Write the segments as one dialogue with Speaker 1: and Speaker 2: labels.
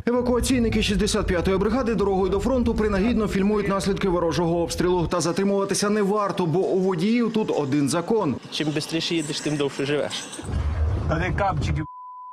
Speaker 1: Евакуаційники 65-ї бригади дорогою до фронту принагідно фільмують наслідки ворожого обстрілу. Та затримуватися не варто, бо у водіїв тут один закон.
Speaker 2: Чим швидше їдеш, тим довше живеш.
Speaker 3: А де капчики?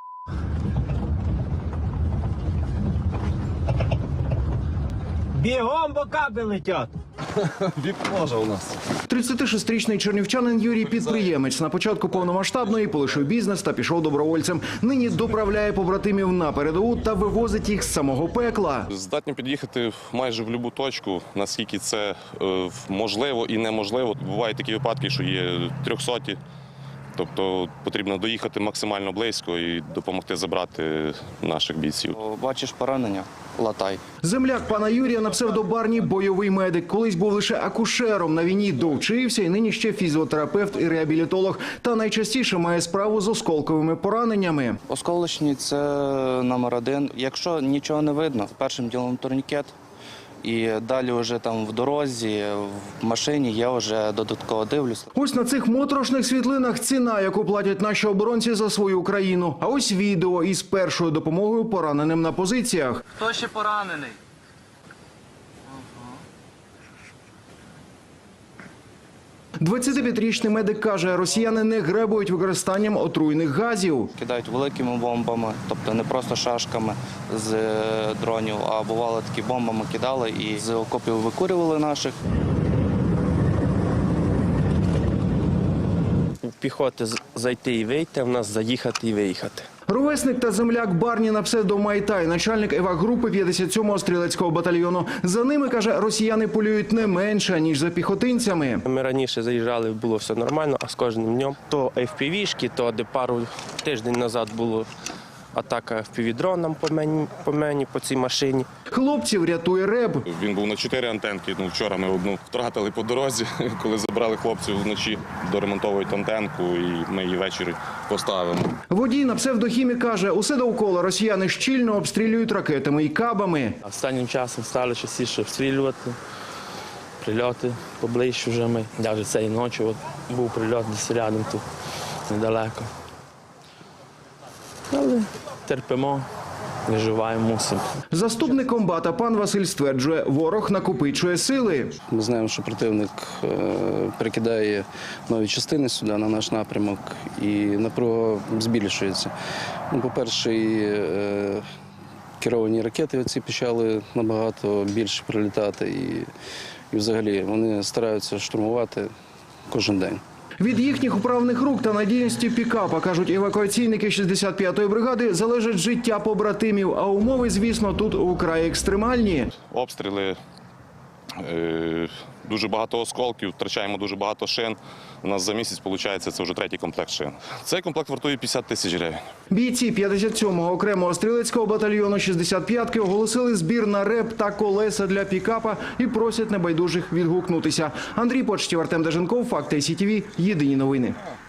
Speaker 3: Бігом, бо капи летять.
Speaker 4: Вікно у нас.
Speaker 1: 36-річний чернівчанин Юрій – підприємець. На початку повномасштабної полишив бізнес та пішов добровольцем. Нині доправляє побратимів на передову та вивозить їх з самого пекла.
Speaker 4: Здатні під'їхати майже в будь-яку точку, наскільки це можливо і неможливо. Бувають такі випадки, що є 300-ті. Тобто потрібно доїхати максимально близько і допомогти забрати наших бійців.
Speaker 5: Бачиш поранення – латай.
Speaker 1: Земляк пана Юрія на псевдо Барні – бойовий медик. Колись був лише акушером, на війні довчився і нині ще фізіотерапевт і реабілітолог. Та найчастіше має справу з осколковими пораненнями.
Speaker 5: Осколочні – це номер один. Якщо нічого не видно, першим ділом турнікет. І далі вже там в дорозі, в машині я вже додатково дивлюсь.
Speaker 1: Ось на цих моторошних світлинах ціна, яку платять наші оборонці за свою країну. А ось відео із першою допомогою пораненим на позиціях.
Speaker 5: Хто ще поранений?
Speaker 1: 25-річний медик каже, росіяни не гребують використанням отруйних газів.
Speaker 5: Кидають великими бомбами, тобто не просто шашками з дронів, а бувало такі бомбами кидали і з окопів викурювали наших.
Speaker 2: У піхоти зайти і вийти, а в нас заїхати і виїхати.
Speaker 1: Ровесник та земляк Барні на псевдо Майтай, начальник евак-групи 57-го стрілецького батальйону. За ними, каже, росіяни полюють не менше, ніж за піхотинцями.
Speaker 2: Ми раніше заїжджали, було все нормально, а з кожним днем то FPV-шки, то де пару тиждень назад було атака FPV-дроном по мені, по цій машині.
Speaker 1: Хлопців рятує РЕБ.
Speaker 4: Він був на 4 антенки. Вчора ми одну втратили по дорозі, коли забрали хлопців вночі, доремонтовують антенку і ми її ввечері поставимо.
Speaker 1: Водій на псевдохімік каже, усе довкола росіяни щільно обстрілюють ракетами і кабами.
Speaker 2: Останнім часом стали частіше обстрілювати, прильоти поближче вже ми. Навіть цієї ночі був прильот десь рядом тут, недалеко. Але терпимо, виживаємо, мусимо.
Speaker 1: Заступник комбата пан Василь стверджує, ворог накопичує сили.
Speaker 6: Ми знаємо, що противник перекидає нові частини сюди, на наш напрямок, і напруга збільшується. По-перше, керовані ракети оці почали набагато більше прилітати, і взагалі вони стараються штурмувати кожен день.
Speaker 1: Від їхніх управних рук та надійності пікапа, кажуть евакуаційники 65-ї бригади, залежить життя побратимів. А умови, звісно, тут украй екстремальні.
Speaker 4: Обстріли, дуже багато осколків, втрачаємо дуже багато шин. У нас за місяць, виходить, це вже 3-й комплект шин. Цей комплект вартує 50 тисяч гривень.
Speaker 1: Бійці 57-го окремого стрілецького батальйону 65-ки оголосили збір на РЕБ та колеса для пікапа і просять небайдужих відгукнутися. Андрій Почтів, Артем Деженков, Факти СІТВ, єдині новини.